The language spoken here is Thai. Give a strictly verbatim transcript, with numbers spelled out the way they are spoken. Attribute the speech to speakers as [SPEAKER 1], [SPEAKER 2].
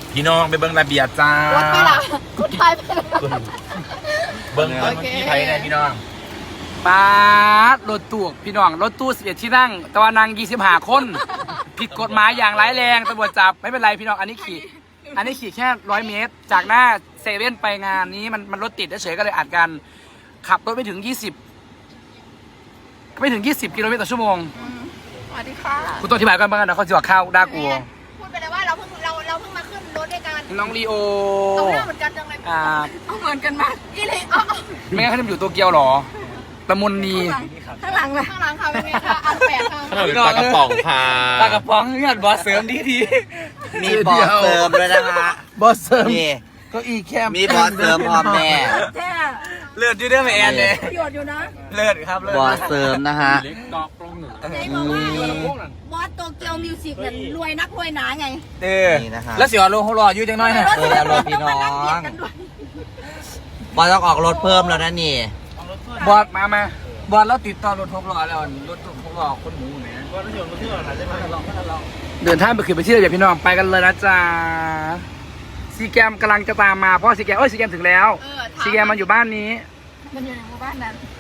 [SPEAKER 1] พี่น้องไปเบิ้งระเบียบจ้าร
[SPEAKER 2] ถไปละคุณไทยไปละ
[SPEAKER 1] เบิ้งเบิ้งที่ไทยนะพี่น้อง
[SPEAKER 3] ป้ารถตู้พี่น้องรถตู้สิบเอ็ดที่นั่งแต่ว่านางยี่สิบห้าคนผิดกฎหมายอย่างร้ายแรงตำรวจจับไม่เป็นไรพี่น้องอันนี้ขี่อันนี้ขี่แค่ร้อยเมตร จากหน้าเซเว่นไปงานนี้มันมันรถติดเฉยๆก็เลยอัดกันขับรถไม่ถึงยี่สิบไม่ถึงยี่สิบกิโลเมตรต่อชั่วโมง
[SPEAKER 2] สวัสดีค่ะ
[SPEAKER 3] กูต้องอธิบายกันบ้างนะเขาจะว่าข้าวด่ากู
[SPEAKER 2] พูดไปเลยว่าเราเพิ่งเราเราเพิ่งมาขึ้นรถด้วยกัน
[SPEAKER 3] น้องลีโอ
[SPEAKER 2] เอาหน้าเหมือนกันจังเลย
[SPEAKER 3] อ่า
[SPEAKER 2] เอาเหมือนกันมากอีเลยอ๋อ
[SPEAKER 3] ไม่งั้นเขาจะอยู่โตเกียวหรอละมุนนี
[SPEAKER 2] ข้างหลังเลยข้างหลังค่ะเป็นไงคะอันแปดค่ะ
[SPEAKER 1] ขนมปลากระป๋องค่ะ
[SPEAKER 3] ปลากระป๋องเงื่อนบอสเสริมดีที
[SPEAKER 4] มีบอสเสริมด้วยนะคะ
[SPEAKER 3] บอสเสริม
[SPEAKER 4] นี่
[SPEAKER 3] ก็อีแคม
[SPEAKER 4] มีบอสเสริมพร้อมแม่
[SPEAKER 2] แท้
[SPEAKER 3] เลือดอยู่ด้วยไหมแอนเนี่ย
[SPEAKER 2] ประโยชน์อยู่นะ
[SPEAKER 3] เลือดครับเลือด
[SPEAKER 4] บอสเสริมนะฮะ
[SPEAKER 2] ไหนบอกว่าบอสโตเกียวมิวสิกเนี่ยรวยนักรวยหนาไง
[SPEAKER 3] เออ
[SPEAKER 4] นี่นะฮะ
[SPEAKER 3] แล้วเสียโลเขารออยู่จังน้อยนะ
[SPEAKER 4] เออแล้วรถพี่น้อง บอสต้องออกรถเพิ่มแล้วนะนี่
[SPEAKER 3] บอสมามาบอสแล้วติดต่อรถหกล้อแล้วรถหกล้อคนหมูเนี่ยบอสรถยนต์รถที่เราใช่ไหมเดินทางไปขึ้นไปที่ระเบียบพี่น้องไปกันเลยนะจ๊ะซีแกมกำลังจะตามมาเพราะซีแกมเอ้ยซีแกมถึงแล้ว
[SPEAKER 2] เออ
[SPEAKER 3] ซีแกมมันอยู่บ้านนี้
[SPEAKER 2] มันอยู่ในหมู่บ้านนั้น